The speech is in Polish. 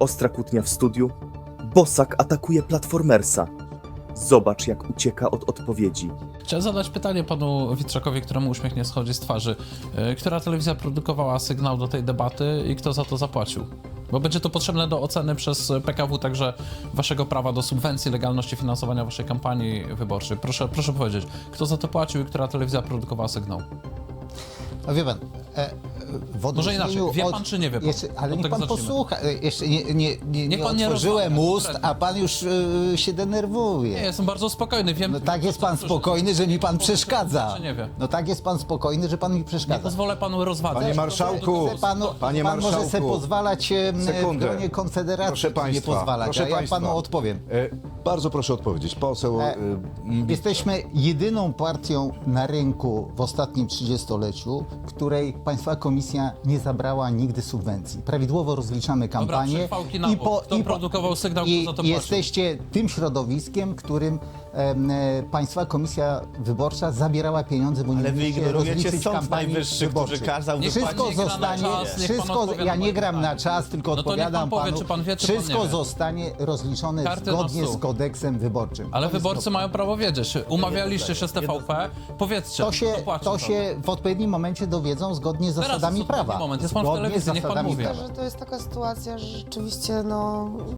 Ostra kłótnia w studiu. Bosak atakuje Platformersa. Zobacz, jak ucieka od odpowiedzi. Chciałem zadać pytanie panu Witrakowi, któremu uśmiech nie schodzi z twarzy. Która telewizja produkowała sygnał do tej debaty i kto za to zapłacił? Bo będzie to potrzebne do oceny przez PKW także waszego prawa do subwencji, legalności finansowania waszej kampanii wyborczej. Proszę powiedzieć, kto za to płacił i która telewizja produkowała sygnał? No wie pan, w Może inaczej, odróżnieniu wie pan czy nie wie pan? Ale Od niech tego pan zacznijmy. posłucha, jeszcze nie pan nie otworzyłem rozmawia, ust, konkretnie. a pan już się denerwuje. Nie, jestem bardzo spokojny, wiem... No tak jest pan spokojny, że mi pan przeszkadza. Czy nie wie? No tak jest pan spokojny, że pan mi Nie przeszkadza. pozwolę panu rozwadzać. Panie marszałku, panie Pan może sobie marszałku, pozwalać w sekundę. gronie Konfederacji Proszę państwa, nie pozwalać, proszę a ja państwa. panu odpowiem. Bardzo proszę odpowiedzieć. Poseł Jesteśmy jedyną partią na rynku w ostatnim 30-leciu, której Państwa Komisja nie zabrała nigdy subwencji. Prawidłowo rozliczamy kampanię przechwałki na bok. Kto produkował sygnał, kto za to płacił? jesteście tym środowiskiem, którym Państwa Komisja Wyborcza zabierała pieniądze, bo nie Ale wy mieliście ignorujecie rozliczyć Sąd kampanii Najwyższy, wyborczej. który kazał... Niech pan Wszystko nie gra na zostanie, czas, niech pan odpowiada ja na nie gram pytanie. na czas, tylko No to niech pan odpowiadam powie, panu. czy pan wie, czy pan nie Wszystko wie. zostanie rozliczone Karty na zgodnie stół. z kodeksem wyborczym. Ale To jest wyborcy proste. mają prawo wiedzieć. Umawialiście się z TVP? Powiedzcie, kto płacił To za się w odpowiednim momencie dowiedzą zgodnie z Teraz zasadami jest odpowiedni prawa. moment. Jest pan w Zgodnie telewizji, z niech pan zasadami mówi. prawa. Że to jest taka sytuacja, że rzeczywiście no,